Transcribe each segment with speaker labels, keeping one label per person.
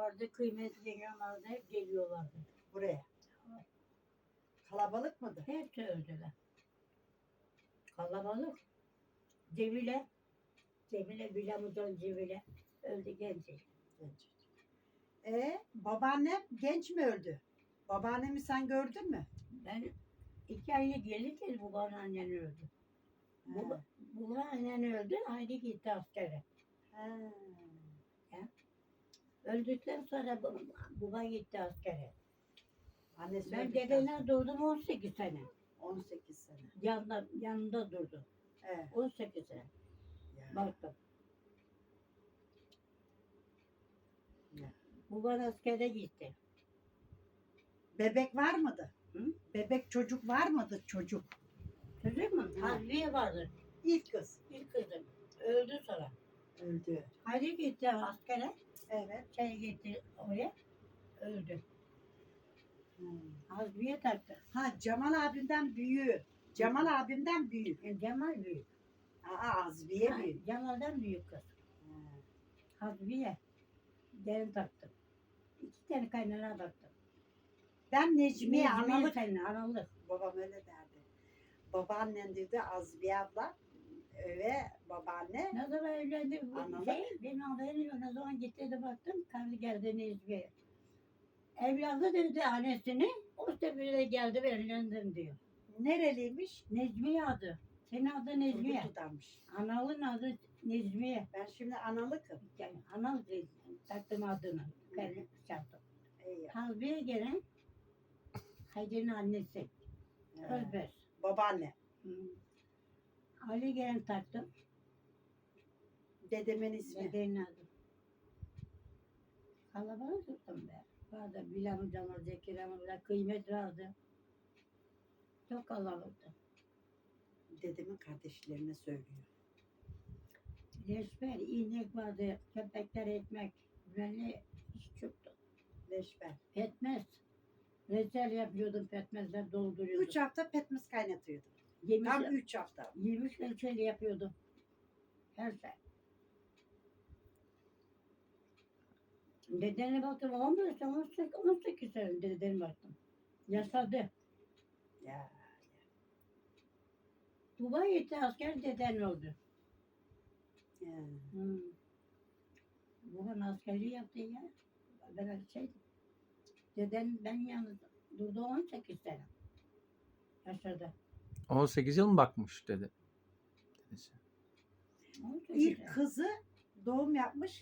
Speaker 1: vardı, kıymetli yengem vardı. Hep geliyorlardı.
Speaker 2: Buraya. Kalabalık mıdır?
Speaker 1: Hepsi öldüler. Kalabalık. Cemile Bilamuz'un Cemile öldü genç.
Speaker 2: Genç. Babaannem genç mi öldü? Babaannemi sen gördün mü?
Speaker 1: Ben 2 aylık gelirken babam annen öldü.
Speaker 2: Ha.
Speaker 1: Baba annen öldü, ayrı gitti askere.
Speaker 2: Ha.
Speaker 1: Öldükten sonra baba gitti askere.
Speaker 2: Annesi
Speaker 1: Ben
Speaker 2: öldükten
Speaker 1: dedene
Speaker 2: sonra.
Speaker 1: durdum 18 sene.
Speaker 2: 18 sene.
Speaker 1: Yanında durdu.
Speaker 2: Evet.
Speaker 1: 18 sene.
Speaker 2: Ya.
Speaker 1: Baktım.
Speaker 2: Ya.
Speaker 1: Baban askere gitti.
Speaker 2: Bebek var mıydı?
Speaker 1: Hı?
Speaker 2: Bebek çocuk var mıydı çocuk?
Speaker 1: Çocuk mu?
Speaker 2: Ha.
Speaker 1: Harbiye vardı.
Speaker 2: İlk kız.
Speaker 1: Bir kızım. Öldü sonra.
Speaker 2: Öldü.
Speaker 1: Hadi gitti askere.
Speaker 2: Evet.
Speaker 1: Gitti oraya. Öldü.
Speaker 2: Hmm.
Speaker 1: Harbiye taktı.
Speaker 2: Ha Cemal abimden büyüğü. Cemal abimden büyük.
Speaker 1: Cemal büyük.
Speaker 2: Azbiye
Speaker 1: Ha,
Speaker 2: büyük.
Speaker 1: Cemal'den büyük kız.
Speaker 2: Ha.
Speaker 1: Harbiye. Gelin taktım. 2 tane kaynana taktım.
Speaker 2: Ben Necmiye
Speaker 1: Necmiye
Speaker 2: analık.
Speaker 1: senin analık.
Speaker 2: Babam öyle derdi. Babaannen dedi Azbiye abla ve babaanne.
Speaker 1: Ne zaman evlendi bu
Speaker 2: Analık.
Speaker 1: benim haberim yok. Ne zaman gitti de baktım, karı geldi Necmiye. Evladı dedi annesini, o sebeple geldi ve evlendim diyor.
Speaker 2: Nereliymiş?
Speaker 1: Necmiye adı. Senin adı Necmiye.
Speaker 2: Turgutlu'danmış.
Speaker 1: Analın adı Necmiye.
Speaker 2: Ben şimdi analıkım.
Speaker 1: Yani anal taktım adını. Karı çarptım.
Speaker 2: Eyvallah.
Speaker 1: Harbiye gelen Haydi'nin annesi. Özbez.
Speaker 2: Babaanne.
Speaker 1: Hı. Ali gelen taktım.
Speaker 2: Dedemin ismi.
Speaker 1: Dedenin adı. Kalabalık tuttum be. Vardı Bilam'ın canı, Zekiram'ın kıymet vardı. Çok kalabalıktı.
Speaker 2: Dedemin kardeşlerine söylüyor.
Speaker 1: Leşber, inek vardı, köpekler ekmek. Böyle iş çoktu.
Speaker 2: Leşber.
Speaker 1: Petmez. Reçel yapıyordum, petmezler dolduruyordum.
Speaker 2: 3 hafta petmez kaynatıyordum.
Speaker 1: Yemiş,
Speaker 2: Tam 3 hafta.
Speaker 1: yemiş reçel yapıyordum. Her şey. Dedene baktım 15 sene, 18 sene dedene baktım. Yaşadı.
Speaker 2: Ya.
Speaker 1: Dubai'ye gitti asker deden oldu.
Speaker 2: Ya.
Speaker 1: Babam askerliği yaptı ya. Ben deden ben yalnız durdu 18 sene. Yaşadı.
Speaker 3: 18 yıl mı bakmış dedi. Dedesi.
Speaker 1: 18
Speaker 2: İlk
Speaker 1: sene.
Speaker 2: kızı doğum yapmış.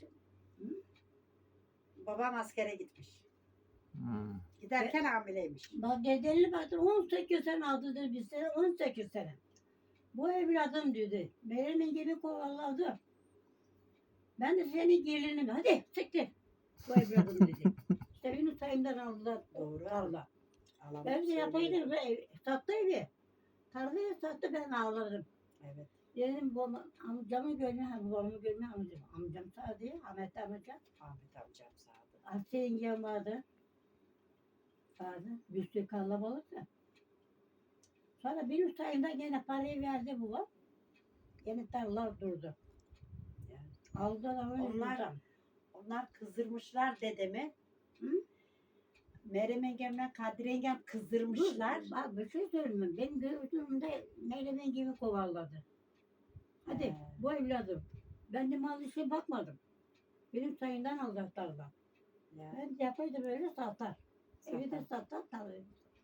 Speaker 2: Babam askere gitmiş.
Speaker 3: Hmm.
Speaker 2: Giderken hamileymiş.
Speaker 1: Bak dedenle baktım 18 sene aldı dedi bir sene 18 sene. Bu evladım dedi. Benim gibi kovaladı. Ben de senin gelinim. Hadi siktir. Bu evladım dedi. İşte benim sayımdan aldılar.
Speaker 2: Doğru.
Speaker 1: Tarla.
Speaker 2: Alamam
Speaker 1: Ben de
Speaker 2: söylüyor.
Speaker 1: yapaydım. Sattı evi. Tarlayı sattı ben ağlarım.
Speaker 2: Evet.
Speaker 1: Dedim amcamı görme, babamı görme amcam. Amcam sağdı, Ahmet amcam.
Speaker 2: Ahmet amcam sağdı.
Speaker 1: Asya yengem vardı. Vardı. Bir sürü kalabalık da. Sonra benim sayımda gene parayı verdi babam. Gene tarlalar durdu.
Speaker 2: Yani.
Speaker 1: Aldılar öyle
Speaker 2: Onlar-
Speaker 1: buradan.
Speaker 2: Onlar kızdırmışlar dedemi.
Speaker 1: Hı?
Speaker 2: Meryem yengemle Kadri yengem kızdırmışlar.
Speaker 1: Bak bir şey söyleyeyim. Benim gözümde Meylemen gibi kovalladı. Hadi
Speaker 2: He.
Speaker 1: bu evladım. Ben de mal işe bakmadım. Benim sayımdan aldılar tarla.
Speaker 2: Ya.
Speaker 1: Ben yapaydı böyle satar. Evi de
Speaker 2: Satar.
Speaker 1: satar tarlayı.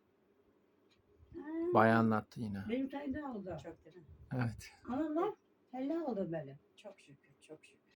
Speaker 3: Bayağı anlattı yine.
Speaker 1: Benim sayımdan aldı.
Speaker 2: Çok değil mi?
Speaker 3: Evet.
Speaker 1: Ama bak helal oldu böyle.
Speaker 2: Çok şükür, çok şükür.